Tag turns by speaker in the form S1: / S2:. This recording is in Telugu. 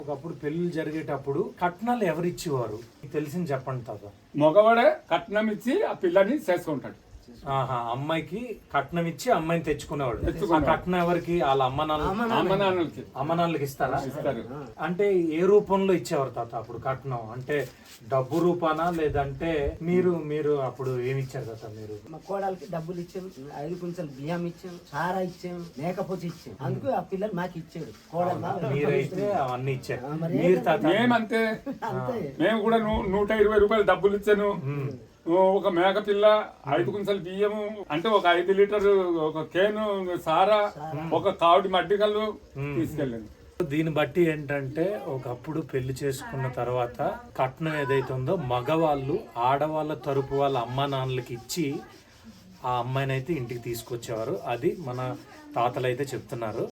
S1: ఒకప్పుడు పెళ్లి జరిగేటప్పుడు కట్నాలు ఎవరు ఇచ్చేవారు తెలిసింది చెప్పండి తాత.
S2: మగవాడే కట్నం ఇచ్చి ఆ పిల్లని చేసుకుంటాడు.
S1: ఆహా, అమ్మాయికి కట్నం ఇచ్చి అమ్మాయిని తెచ్చుకునేవాడు. ఆ
S2: తెచ్చుకునేవాడు.
S1: కట్నం ఎవరికి? వాళ్ళ అమ్మ
S2: అమ్మనాన్నలకి
S1: నాన్నలకి ఇస్తారా?
S2: ఇస్తారు.
S1: అంటే ఏ రూపంలో ఇచ్చేవారు తాత అప్పుడు కట్నం? అంటే డబ్బు రూపానా లేదంటే మీరు అప్పుడు ఏమి ఇచ్చారు తాత? మీరు
S3: మా కోడలికి డబ్బులు ఇచ్చాం, 5 కుంచెలు బియ్యం ఇచ్చాం, సారా ఇచ్చాం, మేకపోతే ఇచ్చాం. అందుకు ఆ పిల్లలు మాకు ఇచ్చాడు. కోడలు
S1: మీరైతే అవన్నీ ఇచ్చారు. మీరు తాత?
S2: మేమంతే.
S3: అంతే.
S2: మేము కూడా 120 రూపాయలు డబ్బులు ఇచ్చాను. ఒక మేక పిల్ల, 5 కుంచెలు బియ్యము, అంటే ఒక 5 లీటర్లు, ఒక కేను సారా, ఒక కావుడి మడ్డికల్లు తీసుకెళ్ళాను.
S1: దీన్ని బట్టి ఏంటంటే ఒకప్పుడు పెళ్లి చేసుకున్న తర్వాత కట్నం ఏదైతే ఉందో మగవాళ్ళు ఆడవాళ్ళ తరపు వాళ్ళ అమ్మా నాన్నలకి ఇచ్చి ఆ అమ్మాయిని అయితే ఇంటికి తీసుకొచ్చేవారు. అది మన తాతలు అయితే చెప్తున్నారు.